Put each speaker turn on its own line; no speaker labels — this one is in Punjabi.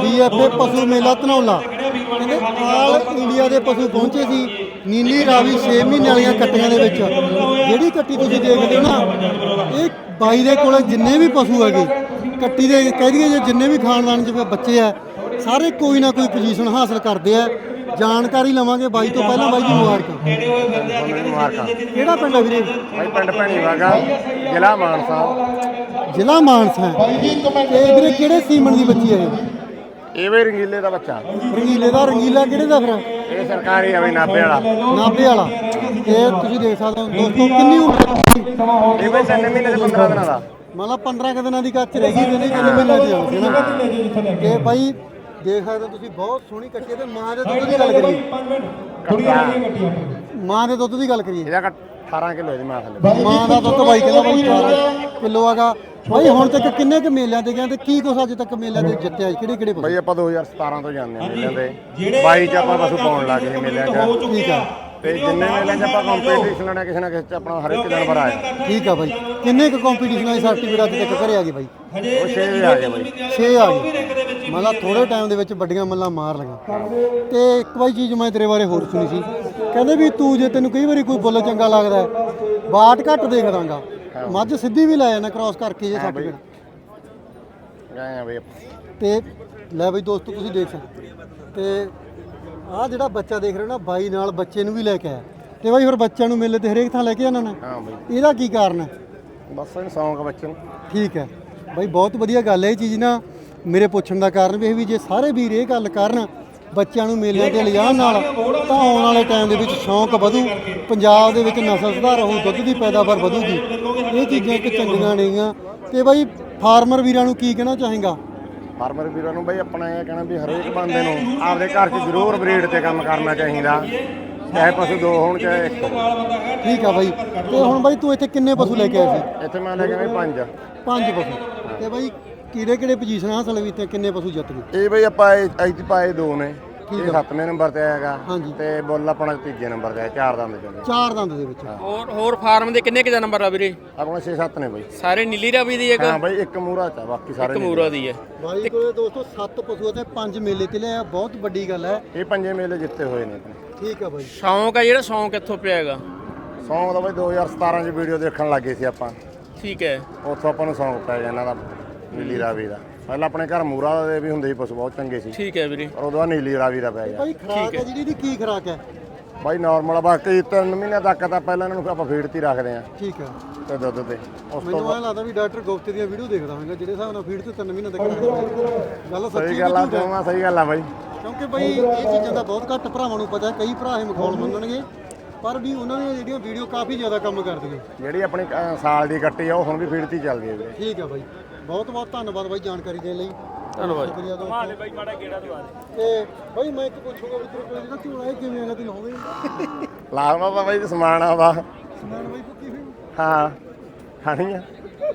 BFA ਪਸ਼ੂ ਮੇਲਾ ਧਨੌਲਾ ਕਹਿੰਦੇ ਆਲ ਇੰਡੀਆ ਦੇ ਪਸ਼ੂ ਪਹੁੰਚੇ ਸੀ। ਨੀਲੀ ਰਾਵੀ 6 ਮਹੀਨੇ ਵਾਲੀਆਂ ਕੱਟੀਆਂ ਦੇ ਵਿੱਚ ਜਿਹੜੀ ਕੱਟੀ ਤੁਸੀਂ ਦੇਖਦੇ ਹੋ ਨਾ, ਇਹ ਬਾਈ ਦੇ ਕੋਲ ਜਿੰਨੇ ਵੀ ਪਸ਼ੂ ਹੈਗੇ ਕੱਟੀ ਦੇ ਕਹਿ ਦਈਏ ਜੇ ਜਿੰਨੇ ਵੀ ਖਾਨਦਾਨ 'ਚ ਬੱਚੇ ਆ ਸਾਰੇ ਕੋਈ ਨਾ ਕੋਈ ਪੋਜੀਸ਼ਨ ਹਾਸਲ ਕਰਦੇ ਆ। ਜਾਣਕਾਰੀ ਲਵਾਂਗੇ ਬਾਈ ਤੋਂ। ਪਹਿਲਾਂ ਬਾਈ ਜੀ ਮੁਬਾਰਕਾਂ। ਕਿਹੜਾ ਪਿੰਡ ਹੈ ਵੀਰੇ?
ਬਾਈ ਪਿੰਡ ਭੈਣੀਵਾਗਾ, ਜ਼ਿਲ੍ਹਾ ਮਾਨਸਾ।
ਜ਼ਿਲ੍ਹਾ ਮਾਨਸਾ। ਤੇ ਵੀਰੇ ਕਿਹੜੇ ਸੀਮਨ ਦੀ ਬੱਚੀ ਹੈ
ਇਹ ਵੀ ਰੰਗੀਲੇ ਦਾ ਬੱਚਾ।
ਰੰਗੀਲੇ ਦਾ? ਰੰਗੀਲਾ ਕਿਹੜੇ ਦਾ ਫਿਰ?
ਇਹ ਸਰਕਾਰੀ ਆ ਬਈ, ਨਾਭੇ ਵਾਲਾ।
ਨਾਭੇ ਵਾਲਾ। ਤੇ ਤੁਸੀਂ ਦੇਖ ਸਕਦੇ ਹੋ ਦੋਸਤੋ ਕਿੰਨੀ ਉਮਰ
ਇਹ ਬਈ 3 ਮਹੀਨੇ ਤੇ 15 ਦਿਨਾਂ ਦਾ।
ਮਤਲਬ 15 ਦਿਨਾਂ ਦੀ ਕੱਚ ਰਹਿ ਗਈ ਤੇ ਨਹੀਂ 3 ਮਹੀਨੇ ਦੀ ਆਉਂਦੀ ਨਾ। ਤੇ ਬਾਈ ਦੇਖ ਸਕਦੇ ਹੋ ਤੁਸੀਂ ਬਹੁਤ ਸੋਹਣੀ ਕੱਟੀ। ਤੇ ਮਾਂ ਦੇ ਦੁੱਧ ਦੀ ਗੱਲ ਕਰੀਏ, ਮਾਂ ਦੇ ਦੁੱਧ ਦੀ ਗੱਲ ਕਰੀਏ,
ਇਹਦਾ 18 ਕਿਲੋ ਦੀ ਮਾਂ ਥੱਲੇ।
ਮਾਂ ਦਾ ਦੁੱਧ ਬਾਈ ਕਹਿੰਦਾ ਬਾਈ 18 ਕਿਲੋ ਹੈਗਾ। ਬਾਈ ਹੁਣ ਤੱਕ ਕਿੰਨੇ ਕੁ ਮੇਲਿਆਂ ਤੇ ਗਏ ਤੇ ਕੀ ਕੁਛ ਅੱਜ ਤੱਕ ਮੇਲਿਆਂ ਦੇ ਜਿੱਤਿਆ? ਕਿਹੜੇ ਕਿਹੜੇ
ਬਾਈ ਆਪਾਂ 2017 ਤੋਂ ਜਾਂਦੇ ਹਾਂ ਮੇਲਿਆਂ ਦੇ। 22 ਚ ਆਪਾਂ ਪਸ਼ੂ ਪਾਉਣ ਲੱਗ ਗਏ ਮੇਲਿਆਂ 'ਚ।
ਠੀਕ ਆ।
ਤੇ ਜਿੰਨੇ ਮੇਲਿਆਂ 'ਚ ਆਪਾਂ ਕੰਪੀਟੀਸ਼ਨ ਲੈਣਾ ਕਿਸੇ ਨਾ ਕਿਸੇ 'ਚ ਆਪਣਾ ਹਰ ਇੱਕ ਜਾਨਵਰ ਆਇਆ।
ਠੀਕ ਆ ਬਾਈ। ਕਿੰਨੇ ਕੁ ਕੰਪੀਟੀਸ਼ਨਾਂ ਦੀ ਸਰਟੀਫਿਕੇਟ ਅੱਜ ਤੱਕ ਘਰੇ ਆ ਗਏ ਬਾਈ?
ਉਹ 6 ਆ ਗਏ ਬਾਈ।
6 ਆ ਗਏ। ਮਤਲਬ ਥੋੜੇ ਟਾਈਮ ਦੇ ਵਿੱਚ ਵੱਡੀਆਂ ਮੱਲਾਂ ਮਾਰ ਲਗਾ। ਤੇ ਇੱਕ ਬਾਈ ਚੀਜ਼ ਮੈਂ ਤੇਰੇ ਬਾਰੇ ਹੋਰ ਸੁਣੀ ਸੀ, ਕਹਿੰਦੇ ਵੀ ਤੂੰ ਜੇ ਤੈਨੂੰ ਕਈ ਵਾਰੀ ਕੋਈ ਬੁੱਲ ਚੰਗਾ ਲੱਗਦਾ ਬਾਟ ਘੱਟ ਦੇਖ ਦਾਂਗਾ, ਮੱਝ ਸਿੱਧੀ ਵੀ ਲੈ ਜਾਣਾ ਕ੍ਰਾਸ ਕਰਕੇ ਜੇ ਸਰਟੀਫਿਕੇਟ
ਗਏ ਆ ਬਈ।
ਤੇ ਲੈ ਬਈ ਦੋਸਤੋ ਤੁਸੀਂ ਦੇਖ ਸਕਦੇ ਤੇ ਆਹ ਜਿਹੜਾ ਬੱਚਾ ਦੇਖ ਰਹੇ ਹੋ ਨਾ, ਬਾਈ ਨਾਲ ਬੱਚੇ ਨੂੰ ਵੀ ਲੈ ਕੇ ਆਇਆ। ਤੇ ਬਾਈ ਫਿਰ ਬੱਚਿਆਂ ਨੂੰ ਮੇਲੇ ਤੇ ਹਰੇਕ ਥਾਂ ਲੈ ਕੇ ਜਾਣਾ ਨਾ?
ਹਾਂ ਬਈ।
ਇਹਦਾ ਕੀ ਕਾਰਨ ਹੈ?
ਬਸ ਇਹਨੂੰ ਸ਼ੌਂਕ ਬੱਚੇ ਨੂੰ।
ਠੀਕ ਹੈ ਬਾਈ, ਬਹੁਤ ਵਧੀਆ ਗੱਲ ਹੈ ਇਹ ਚੀਜ਼ ਨਾ। ਮੇਰੇ ਪੁੱਛਣ ਦਾ ਕਾਰਨ ਵੀ ਇਹ ਵੀ ਜੇ ਸਾਰੇ ਵੀਰ ਇਹ ਗੱਲ ਕਰਨ ਬੱਚਿਆਂ ਨੂੰ ਮੇਲਿਆਂ ਤੇ ਲਿਜਾਣ ਨਾਲ ਤਾਂ ਆਉਣ ਵਾਲੇ ਟਾਈਮ ਦੇ ਵਿੱਚ ਸ਼ੌਂਕ ਵਧੂ, ਪੰਜਾਬ ਦੇ ਵਿੱਚ ਨਸਲ ਸੁਧਾਰ ਹੋਊ, ਦੁੱਧ ਦੀ ਪੈਦਾਵਾਰ ਵਧੂਗੀ। ਇਹ ਚੀਜ਼ਾਂ ਇੱਕ ਚੰਗੀਆਂ ਨੇਗੀਆਂ। ਤੇ ਬਾਈ ਫਾਰਮਰ ਵੀਰਾਂ ਨੂੰ ਕੀ ਕਹਿਣਾ ਚਾਹੇਗਾ?
ਫਾਰਮਰ ਵੀਰਾਂ ਨੂੰ ਬਈ ਆਪਣਾ ਇਹ ਕਹਿਣਾ ਵੀ ਹਰੇਕ ਬੰਦੇ ਨੂੰ ਆਪਦੇ ਘਰ 'ਚ ਜ਼ਰੂਰ ਬਰੀਡ ਤੇ ਕੰਮ ਕਰਨਾ ਚਾਹੀਦਾ, ਚਾਹੇ ਪਸ਼ੂ 2 ਹੋਣ ਚਾਹੇ 1 ਹੋਣ।
ਠੀਕ ਆ ਬਾਈ। ਤੇ ਹੁਣ ਬਾਈ ਤੂੰ ਇੱਥੇ ਕਿੰਨੇ ਪਸ਼ੂ ਲੈ ਕੇ ਆਇਆ ਸੀ?
ਇੱਥੇ ਮੈਂ ਲੈ ਕੇ ਆਇਆ 5
ਪਸ਼ੂ। ਤੇ ਬਾਈ ਕਿਹੜੇ ਕਿਹੜੇ ਪੋਜੀਸ਼ਨ ਹਾਸਲ ਕੀਤੇ, ਕਿੰਨੇ ਪਸ਼ੂ ਜਿੱਤ ਗਏ?
ਇਹ ਬਈ ਆਪਾਂ ਇੱਥੇ ਪਾਏ 2 ਨੇ। ਇਹ 7ਵੇਂ ਨੰਬਰ ਤੇ ਆਏਗਾ।
ਹਾਂਜੀ।
ਤੇ ਬੁੱਲ ਆਪਣਾ 3 ਨੰਬਰ ਤੇ ਆਇਆ, 4 ਦੰਦ ਚੋਂ।
4 ਦੰਦ ਦੇ ਵਿੱਚ।
ਹੋਰ ਫਾਰਮ ਦੇ ਕਿੰਨੇ ਕਿ ਨੰਬਰ ਆ ਵੀਰੇ?
ਆਪਣਾ 6-7 ਨੇ ਬਈ।
ਸਾਰੇ ਨੀਲੀ ਰਾਵੀ ਦੀ ਇੱਕ?
ਹਾਂ ਬਈ, ਇੱਕ ਮੂਰਾ ਚ ਆ, ਬਾਕੀ ਸਾਰੇ
ਮੂਰਾ ਦੀ ਹੈ।
ਬਾਈ ਕੋਲੇ ਦੋਸਤੋ 7 ਪਸ਼ੂ ਤੇ 5 ਮੇਲੇ ਤੇ ਲਿਆ, ਬਹੁਤ ਵੱਡੀ ਗੱਲ ਹੈ।
ਇਹ 5 ਮੇਲੇ ਜਿੱਤੇ ਹੋਏ ਨੇ ਆਪਣੇ।
ਠੀਕ ਆ ਬਾਈ।
ਸ਼ੌਂਕ ਆ ਜਿਹੜਾ, ਸ਼ੌਂਕ ਕਿੱਥੋਂ ਪਿਆ ਹੈਗਾ?
ਸੌਂਗ ਦਾ ਬਈ 2017 ਚ ਵੀਡੀਓ ਦੇਖਣ ਲੱਗੇ ਸੀ ਆਪਾਂ।
ਠੀਕ ਹੈ।
ਉੱਥੋਂ ਆਪਾਂ ਨੂੰ ਸੌਂਗ ਪੈ ਗਿਆ ਇਹਨਾਂ ਦਾ, ਨੀਲੀ ਰਾਵੀ ਦਾ। ਪਹਿਲਾਂ ਆਪਣੇ ਘਰ ਮੂਰਾ ਦੇ ਵੀ ਹੁੰਦੇ ਸੀ ਪਸ਼ੂ, ਬਹੁਤ ਚੰਗੇ ਸੀ।
ਠੀਕ ਹੈ ਵੀਰੇ।
ਪਰ ਉਦੋਂ ਬਾਅਦ ਨੀਲੀ ਰਾਵੀ ਦਾ ਪੈ ਗਿਆ।
ਬਾਈ ਖਰਾਕ ਹੈ ਜਿਹੜੀ ਇਹਦੀ ਕੀ ਖਰਾਕ ਹੈ?
ਬਾਈ ਨਾਰਮਲ, ਬਾਕੀ 3 ਮਹੀਨੇ ਤੱਕ ਤਾਂ ਪਹਿਲਾਂ ਇਹਨਾਂ ਨੂੰ ਆਪਾਂ ਫੀਡ ਤੇ ਹੀ ਰੱਖਦੇ ਆ
ਠੀਕ ਆ।
ਤੇ ਦੁੱਧ ਤੇ। ਉਸ ਤੋਂ
ਮੈਨੂੰ ਐਂ ਲੱਗਦਾ ਵੀ ਡਾਕਟਰ ਗੁਪਤੇ ਦੀਆਂ ਵੀਡੀਓ ਦੇਖਦਾ ਹੋਵੇਗਾ ਜਿਹੜੇ ਹਿਸਾਬ ਨਾਲ ਫੀਡ ਤੇ 3 ਮਹੀਨੇ ਤੱਕ ਰੱਖਦੇ। ਗੱਲ ਸੱਚੀ
ਸਹੀ ਗੱਲ ਆ, ਜਮਾਂ ਸਹੀ ਗੱਲ ਆ ਬਾਈ।
ਕਿਉਂਕਿ ਬਾਈ ਇਹ ਚੀਜ਼ਾਂ ਦਾ ਬਹੁਤ ਘੱਟ ਭਰਾਵਾਂ ਨੂੰ ਪਤਾ। ਕਈ ਭਰਾ ਇਹ ਮਖੌਲ ਮੰਨਣਗੇ, ਪਰ ਵੀ ਉਹਨਾਂ ਦੀਆਂ ਜਿਹੜੀਆਂ ਵੀਡੀਓ ਕਾਫੀ ਜ਼ਿਆਦਾ ਕੰਮ ਕਰਦੀਆਂ।
ਜਿਹੜੀ ਆਪਣੀ ਸਾਲ ਦੀ ਕੱਟੀ ਆ ਉਹ ਹੁਣ ਵੀ ਫੀਡ ਤੇ ਹੀ ਚੱਲਦੀ ਹੈ ਵੀਰੇ।
ਠੀਕ ਆ ਬਾਈ, ਬਹੁਤ ਬਹੁਤ ਧੰਨਵਾਦ ਬਾਈ ਜਾਣਕਾਰੀ ਦੇਣ ਲਈ।
ਧੰਨਵਾਦ।
ਮਾਲੇ ਬਾਈ ਮਾੜਾ ਗੇੜਾ ਦਵਾ ਦੇ। ਤੇ ਬਾਈ ਮੈਂ ਇੱਕ ਪੁੱਛੂਗਾ ਵੀ ਤੇਰੇ ਕੋਲ ਜਿਹੜਾ ਝੋਲਾ ਇਹ ਕਿਵੇਂ ਆਗਾ ਤੈਨੂੰ ਹੋਵੇ?
ਲਾਜ਼ਮਾ ਬਾਈ ਸਮਾਨ ਆ ਵਾ।
ਸਮਾਨ ਬਾਈ ਪੁੱਕੀ ਹੋਈ?
ਹਾਂ ਖਾਣੀ ਆ।